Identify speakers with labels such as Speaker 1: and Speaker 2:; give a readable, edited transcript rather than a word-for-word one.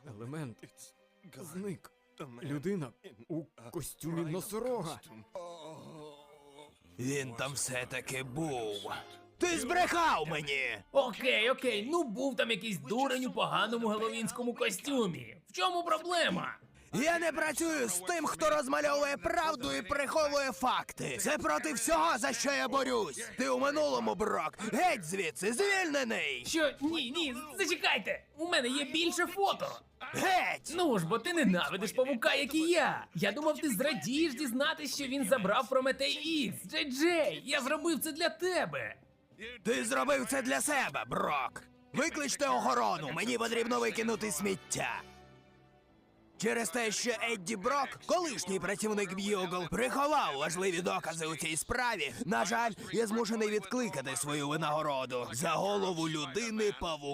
Speaker 1: Елемент зник. Людина у костюмі носорога.
Speaker 2: Він там все-таки був. Ти збрехав мені!
Speaker 3: Окей, ну був там якийсь дурень у поганому геловінському костюмі. В чому проблема?
Speaker 2: Я не працюю з тим, хто розмальовує правду і приховує факти. Це проти всього, за що я борюсь. Ти у минулому, Брок. Геть звідси, звільнений!
Speaker 3: Що? Ні, зачекайте! У мене є більше фото!
Speaker 2: Геть!
Speaker 3: Ну ж, бо ти ненавидиш павука, як і я. Я думав, ти зрадієш дізнатись, що він забрав Прометей Ікс. Джей, я зробив це для тебе.
Speaker 2: Ти зробив це для себе, Брок. Викличте охорону, мені потрібно викинути сміття. Через те, що Едді Брок, колишній працівник Б'югл, приховав важливі докази у цій справі, на жаль, я змушений відкликати свою винагороду за голову людини-павука.